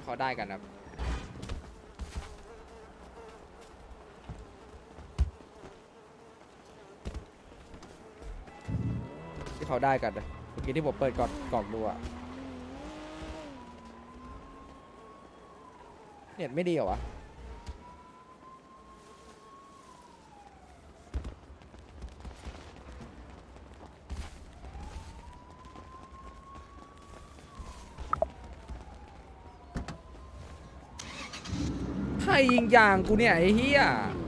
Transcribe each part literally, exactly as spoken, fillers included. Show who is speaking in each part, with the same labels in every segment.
Speaker 1: เขาได้กันครับที่เขาได้กันนะเมื่อกี้ที่ผมเปิดกล่องกล่องดูอะเน็ตไม่ดีเหรอวะใครยิงยางกูเนี่ยไอ้เหี้ย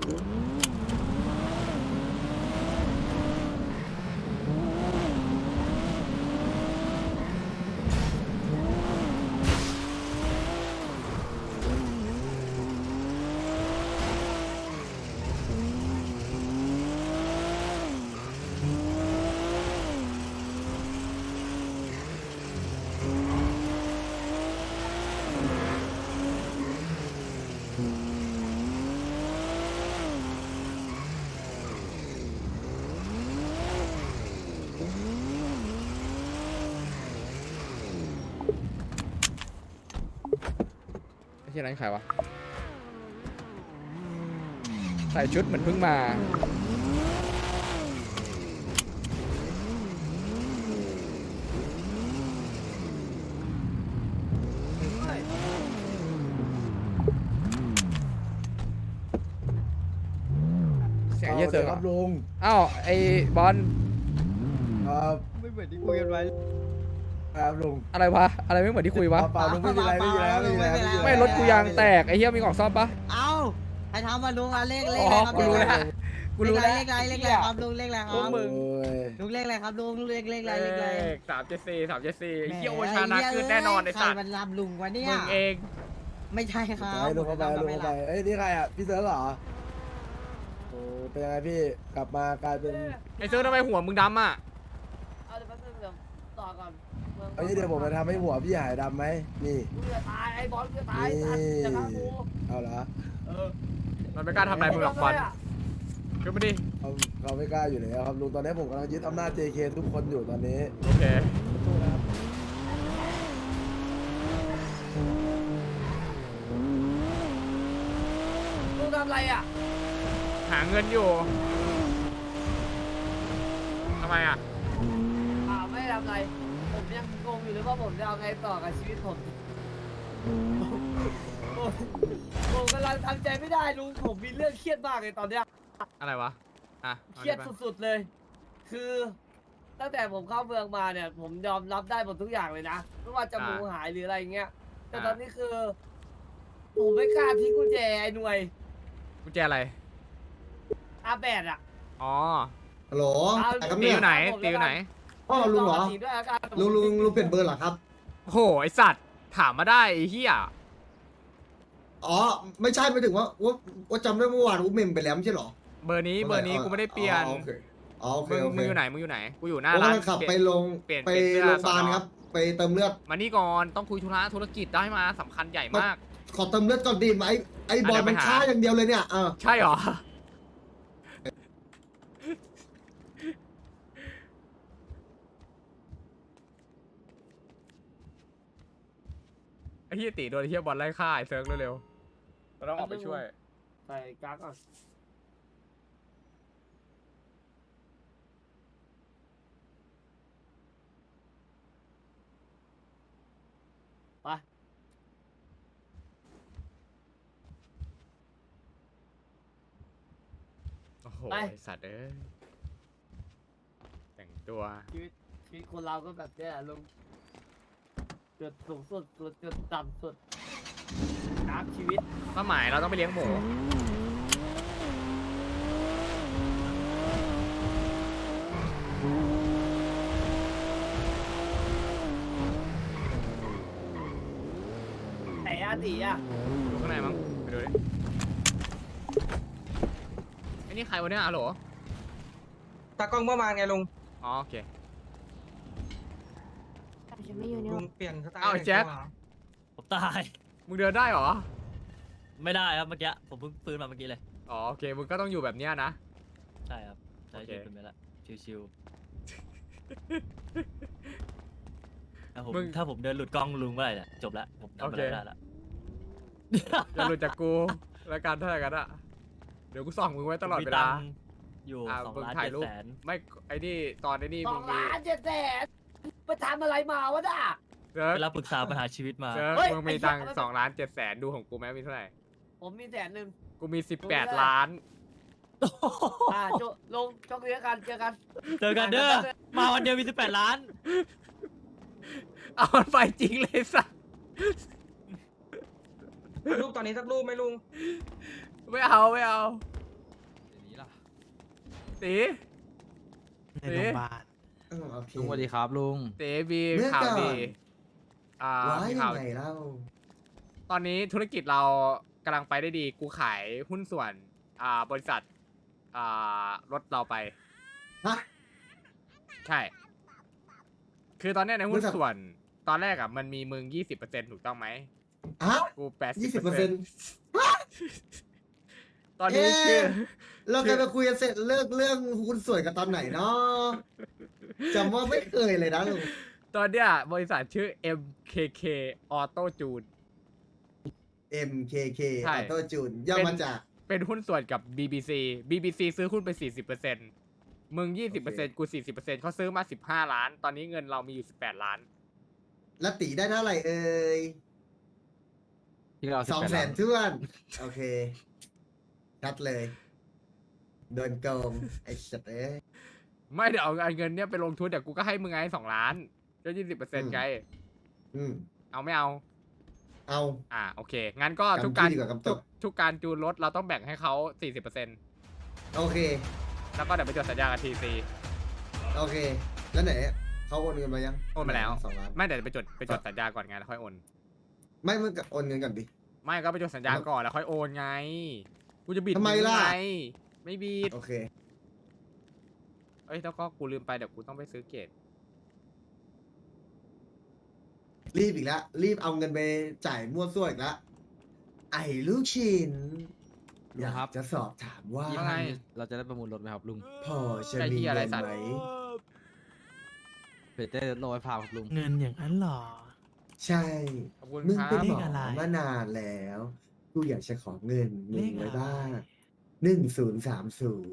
Speaker 1: ไอ้เหี้ยนั้นใครวะใส่ชุดเหมือนเพิ่งมาเสียงเหี้ยเสือครับลุงอ้าวไอ้บอลครับไม่เหมือนที่คุยกันไว้ครับลุงอะไรวะอะไรไม่เหมือนที่คุยวะเปล่าลุงไม่มีอะไรไม่มีอะไรไม่มีอะไรไม่รถกูยางแตกไอ้เหี้ยมีกล่องซ่อมปะ
Speaker 2: เอ้าใครทำมาลุงอะเลขเลข
Speaker 1: อ๋
Speaker 2: อะไร
Speaker 1: อ
Speaker 2: ครับ
Speaker 1: กูรู้แล้วกูรู้แล้ว
Speaker 2: เลขอะไรเลขอะไรครับลุงเลขอะไรครับ
Speaker 1: มึง
Speaker 2: ลุงเลขอะไรครับลุงเลขเลขอะไรเลขอะไร
Speaker 1: สามเจ็ดสี่สามเจ็ดสี่ไอ้เหี้ยโอชานะขึ้นแน่นอนไอ้สัตว์
Speaker 2: ใครมันรับลุงวะเนี่ย
Speaker 1: มึงเอง
Speaker 2: ไม่ใช่ครับ
Speaker 3: ไปลุงเข้าไปลุงเข้าไปเอ้ยนี่ใครอ่ะพี่เซิร์ฟเหรอโอ้เป็นยังไงพี่กลับมากลายเป็น
Speaker 1: ไอ้เซิร์ฟทำไมหัวมึงดำอ่ะ
Speaker 4: เอาเดี๋ยวแป๊บนึงเดี๋ยวต่อก่อนเมือง
Speaker 3: เอางี้เดี๋ยวผมจะทำให้หัวพี่หายดำไหมนี่
Speaker 4: กูจะตายไอ้บอลกูจะตาย
Speaker 3: นี่
Speaker 4: สัตว์จะฆ่ากู
Speaker 3: เอาละ
Speaker 4: เออ
Speaker 1: มันไม่กล้าทำอะไรมึงหรอกบอลขึ้นมาดิ
Speaker 3: เขาเขาไม่กล้าอยู่แล้วครับลุงตอนนี้ผมกำลังยึดอำนาจ เจ เค ทุกคนอยู่ตอนนี้
Speaker 1: โอเค
Speaker 4: กูทำอะไรอ่ะ
Speaker 1: หาเงินอยู่ทำไมอ่ะ
Speaker 4: อ่าไม่ได้ทำอะไรผมยังงงอยู่เลยว่าผมจะเอาไงต่อกับชีวิตผมผมผมกำลังทำใจไม่ได้ลุงผมมีเรื่องเครียดมากเลยตอนเนี้ย
Speaker 1: อะไรวะอ่ะ
Speaker 4: เครียดสุดๆเลย คือตั้งแต่ผมเข้าเมืองมาเนี่ย ผมยอมรับได้หมดทุกอย่างเลยนะไม่ว่าจะหมูหายหรืออะไรเงี้ยแต่ตอนนี้คือ ผมไม่กล้าทิ้งกุญแจไอ้หน่วย
Speaker 1: กุญแจอะไร
Speaker 4: อาแบดอ่ะ
Speaker 1: อ๋อ
Speaker 5: ฮัลโหล
Speaker 4: เอา
Speaker 5: ใครครับ
Speaker 1: ตี
Speaker 5: เนี่
Speaker 1: อย ยู่ไหนตีอยู่ไหน
Speaker 5: พ่อลุงเหรอ
Speaker 4: ตีด้วยอาการ
Speaker 5: ลุงลุงลุงเปลี่ยนเบอร์เหรอครับ
Speaker 1: โอ้โหไอสัตว์ถามมาได้ไอ้เหี้ย
Speaker 5: อ๋อ ไม่ใช่ไม่ถึงว่าว่าว่าจำได้เมื่อวานอุ้มเมมไปแล้วไม่ใช่เหรอ
Speaker 1: เบอร์นี้เบอร์นี้กูไม่ได้เปลี่ยน
Speaker 5: อ๋อโอเคอ๋อโอเค
Speaker 1: มึง
Speaker 5: โอเค
Speaker 1: มึงอยู่ไหนมึงอยู่ไหนกูอยู่หน้า
Speaker 5: ผม
Speaker 1: ร้าน
Speaker 5: กำลังขับ
Speaker 1: เป
Speaker 5: ไป
Speaker 1: ลี่ยน
Speaker 5: ลง
Speaker 1: เปลี่ยน
Speaker 5: ไป
Speaker 1: เปลี่ยนเสื้อ
Speaker 5: โรงพยาบาล
Speaker 1: สอนอ
Speaker 5: ครับ ไปเติมเลือด
Speaker 1: มานี่ก่อนต้องคุยธุระธุรกิจได้มาสำคัญใหญ่มาก
Speaker 5: ขอเติมเลือดก่อนดีไหมไอ้ไอ้บอล
Speaker 1: อ่ะเดี๋ยวไป
Speaker 5: มัน
Speaker 1: หา
Speaker 5: ช้าอย่างเดียวเลยเนี่ยเออ
Speaker 1: ใช่เหรอไอ้เหี้ยตีโดนไอ้เหี้ยบอลไล่ฆ่าไอ้เซิร์ฟเร็วๆเราต้องออกไปช่วย
Speaker 4: ใส่กั๊กก่อนไป
Speaker 1: โอ้โห
Speaker 4: ไป
Speaker 1: ไอ้สัตว์เอ้ยแต่งตัว
Speaker 4: ชีวิตชีวิตคนเราก็แบบเนี้ยลุงจุดสูงสุดจุดจุดต่ำสุดกราฟชีวิต
Speaker 1: เป้าหมายเราต้องไปเลี้ยงหมู
Speaker 4: ไหนอาตีอ่ะ
Speaker 1: ดูข้างในมั้งไปดูดิไอ้นี่ใครวะเนี่ยอะโหล
Speaker 6: ตากล้องเมื่อวานไงลุง
Speaker 1: อ๋อโอเค
Speaker 7: ฉันไม่อยู่ใน
Speaker 6: ลุงเปลี่ยนสไตล์
Speaker 1: อ้าวไอ้แจ็ค
Speaker 8: ผมตาย
Speaker 1: มึงเดินได้เหรอ
Speaker 8: ไม่ได้ครับเมื่อกี้ผมเพิ่งฟื้นมาเมื่อกี้เลย
Speaker 1: อ๋อโอเคมึงก็ต้องอยู่แบบเนี้ยนะ
Speaker 8: ใช่ครับใช้
Speaker 1: โอเค
Speaker 8: ชีวิตเป็นไปละชิวๆถ้าผม
Speaker 1: มึง
Speaker 8: ถ้าผมเดินหลุดกล้องลุงเมื่อไหร่เนี่ยจบละผมทำอะไร
Speaker 1: โอเค
Speaker 8: ไม่ได้ละ
Speaker 1: อย่าหลุดจากกูแล้วกันเท่าไหร่กันอะเดี๋ยวกูส่องมึงไว้ตลอดเวลา
Speaker 8: มีตังค์อยู่
Speaker 1: อ่า
Speaker 8: สอง
Speaker 1: มึง
Speaker 8: ล้าน
Speaker 1: ถ่าย
Speaker 8: เจ็ด
Speaker 1: รูป
Speaker 8: แสน
Speaker 1: ไม่ไอ้นี่ตอนไอ้นี่
Speaker 4: ส
Speaker 1: มึ
Speaker 4: อง
Speaker 1: งมี
Speaker 4: ล้านเจ็ดแสนไปทำอะไรมาวะน่ะ
Speaker 1: เซิร์ฟ
Speaker 8: ไปรับปรึกษาปัญหาชีวิตมา
Speaker 1: เซิร์ฟ
Speaker 4: เฮ้ย
Speaker 1: มึงมี
Speaker 4: ไอ้เหี้ย
Speaker 1: ตังค์
Speaker 4: มัน
Speaker 1: สองล้านเจ็ดแสนดูของกูไหมมีเท่าไหร่
Speaker 4: ผมมีแสนหนึ่ง
Speaker 1: กูมีสิบแปดล้าน
Speaker 4: อ่าโจลงจอกเลี้ยงกันเจอกัน
Speaker 8: เจอกันเด้อ มาวันเดียวมีสิบแปดล้าน
Speaker 1: เอามันไปจริงเลยสัส
Speaker 6: รูปตอนนี้สักรูปไหมลุง
Speaker 1: ไม่เอาไม่เอา
Speaker 7: เดี๋ยวนี้ล่ะ
Speaker 1: ตี
Speaker 9: ในโรงพยาบาล
Speaker 5: เออโอเค
Speaker 7: ลุงสวัสดีครับลุง
Speaker 1: ตีมี
Speaker 5: เมื่อ
Speaker 1: ข่าว
Speaker 5: ก่อน
Speaker 1: ดีอ่า
Speaker 5: ว้า
Speaker 1: มี
Speaker 5: ยั
Speaker 1: ข่าว
Speaker 5: งไงเล่า
Speaker 1: ตอนนี้ธุรกิจเรากำลังไปได้ดี กูขายหุ้นส่วน อ่า บริษัท อ่ารถเราไป
Speaker 5: ฮะ
Speaker 1: ใช่ คือตอนเนี้ยในหุ้
Speaker 5: บ
Speaker 1: น
Speaker 5: ริษัท
Speaker 1: ส่วน ตอนแรกอ่ะมันมีมึงยี่สิบเปอร์เซ็นต์ถูกต้องไหม
Speaker 5: ฮะ
Speaker 1: กูแปดสิบ
Speaker 5: ยี่สิบ
Speaker 1: เป
Speaker 5: เป
Speaker 1: อ
Speaker 5: อ
Speaker 1: ร์
Speaker 5: ร์
Speaker 1: เซ็
Speaker 5: เซ็
Speaker 1: น
Speaker 5: น
Speaker 1: ต์
Speaker 5: ต์
Speaker 1: ตอนนี้คือ
Speaker 5: เราเคยไปคุยกันเสร็จเลิกเรื่องหุ้นส่วนกันตอนไหนเนาะจำว่าไม่เคยเลยนะลุง
Speaker 1: ตอนเนี้ยบริษัทชื่อ เอ็ม เค เค Auto June
Speaker 5: เอ็ม เค เค
Speaker 1: ใช่
Speaker 5: ออโต้จูนย่อมาจาก
Speaker 1: เป็นหุ้นส่วนกับ บี บี ซี บี บี ซี ซื้อหุ้นไป สี่สิบเปอร์เซ็นต์ มึง ยี่สิบเปอร์เซ็นต์ กู สี่สิบเปอร์เซ็นต์ เขาซื้อมา สิบห้า ล้าน ตอนนี้เงินเรามีอยู่ สิบแปด ล้าน
Speaker 5: ละตีได้เท่าไหร่เอ่ย
Speaker 7: ที่เรา
Speaker 5: สองแสนท้วน โอเคชัดเลย โดนโกงไอ้สัตว์เอ้ย
Speaker 1: ไม่เดี๋ยวเอาเงินเนี้ยไปลงทุนเดี๋ยวกูก็ให้มึงไงสองล้านก็ยี่สิบเปอร์เซ็นต์ไง
Speaker 5: อืม
Speaker 1: เอาไม่เอา
Speaker 5: เอา
Speaker 1: อ่าโอเค งั้นก็
Speaker 5: กำ
Speaker 1: ทุกการ
Speaker 5: ที่ดีกว่ากำต
Speaker 1: ทุ
Speaker 5: ก
Speaker 1: กทุกการจูนรถเราต้องแบ่งให้เขาสี่สิบเปอร์เซ็นต์
Speaker 5: โอเค
Speaker 1: แล้วก็เดี๋ยวไปจดสัญญากับทีซี
Speaker 5: โอเค แล้วไหนเขาโอนเงินมายัง
Speaker 1: โอนมาแล้ว
Speaker 5: สองล้าน
Speaker 1: ไม่เดี๋ยวไปจดไปจดสัญญาก่อนไงแล้วค่อยโอน
Speaker 5: ไม่มึงกับโอนเงินก่อนดิ
Speaker 1: ไม่ก็ไปจดสัญญาก่อนแล้วค่อยโอนไง กูจะบิด
Speaker 5: ทำไมล่ะ
Speaker 1: งไงไม่บิด
Speaker 5: โอเค
Speaker 1: เอ้ยแล้วก็กูลืมไปเดี๋ยวกูต้องไปซื้อเกต
Speaker 5: รีบอีกแล้ว รีบเอาเงินไปจ่ายมั่วซั่วอีกแล้ว ไอ้ลูกชิ้นอยากจะสอบถามว่า
Speaker 7: ยี่ห้านี้เราจะได้ประมูลรถไหมครับลุง
Speaker 5: พอจะ
Speaker 1: ใช่
Speaker 5: มี
Speaker 1: ที่อะไร
Speaker 5: เงิน
Speaker 1: สัตว์
Speaker 5: ไหม
Speaker 7: เพื่อจะได้รถไว้พาครับลุง
Speaker 9: เงินอย่างนั้นเหรอ
Speaker 5: ใช่
Speaker 1: ขอบคุณ
Speaker 5: มึง
Speaker 1: ครั
Speaker 5: เป็น
Speaker 1: บ
Speaker 5: หม
Speaker 9: เลขอะไร
Speaker 5: อมานานแล้ว กูอยากจะขอเงินมึ
Speaker 9: เล
Speaker 5: ง
Speaker 9: ข
Speaker 5: ไว้
Speaker 9: อะไร
Speaker 5: บ้างหนึ่งศูนย์สามศูนย์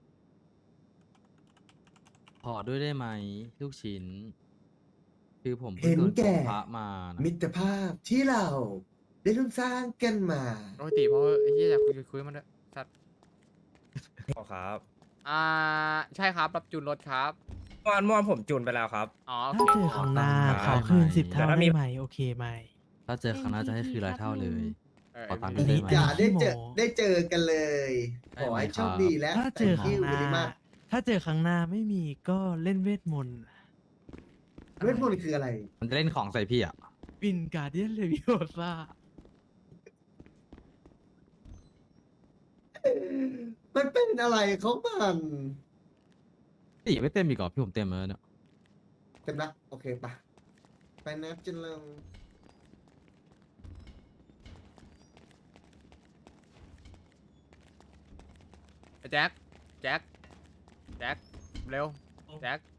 Speaker 7: ขอด้วยได้ไหมลูกชิ้น คือผม
Speaker 5: เห็
Speaker 7: เพิ่ง
Speaker 5: น
Speaker 7: โดน
Speaker 5: แก่
Speaker 7: พระมานะ
Speaker 5: มิตรภาพที่เราได้ร่วมสร้างกันมา
Speaker 1: ปกติเพราะไอ้ที่อยากคุยคุยมันด้วยสัตว์
Speaker 10: ครับ
Speaker 1: อ่าใช่ครับรับจูนรถครับ
Speaker 10: เมื่อวานเมื่อวานผมจูนไปแล้วครับ
Speaker 1: อ๋อโอ
Speaker 9: ถ้า
Speaker 1: เค
Speaker 9: เจอครั้งหน้า
Speaker 10: ค
Speaker 9: ข
Speaker 10: รับ
Speaker 9: อคืนสิบเท่า
Speaker 10: แต่ถ้ามี
Speaker 9: ได้ไหมโอเคไหม
Speaker 7: ถ้าเจอครั้งหน้าจะให้คืนหลายเท่าเลย
Speaker 1: เออ
Speaker 7: ขอตังค์
Speaker 1: เอ
Speaker 7: ด้
Speaker 1: อ
Speaker 7: วยได้ไหม
Speaker 5: อย่าได้เจอ
Speaker 9: ขี้โม้
Speaker 5: ได้เจอกันเลย
Speaker 7: ได้
Speaker 5: ขอ
Speaker 7: ไหม
Speaker 5: ให้
Speaker 7: ครับ
Speaker 5: โชคดีและ
Speaker 9: ถ้าเจอครั้งห
Speaker 5: thank you
Speaker 9: น้า
Speaker 5: very much
Speaker 9: ถ้าเจอครั้งหน้าไม่มีก็เล่นเวทมนต์
Speaker 5: เวทมนต์คืออะไร
Speaker 7: มันจะเล่นของใส่พี่อ่ะ
Speaker 9: วินการเดียนเลวิโอซ่า
Speaker 5: มันเป็นอะไรของมัน
Speaker 7: พี่ไม่เต็มอีกเหรอพี่ผมเต็มแล้วเนี่ย
Speaker 5: เต็มละโอเคปะไปนะจินเลง
Speaker 1: แจ็คแจ็คแจ็คเร็วแจ็ค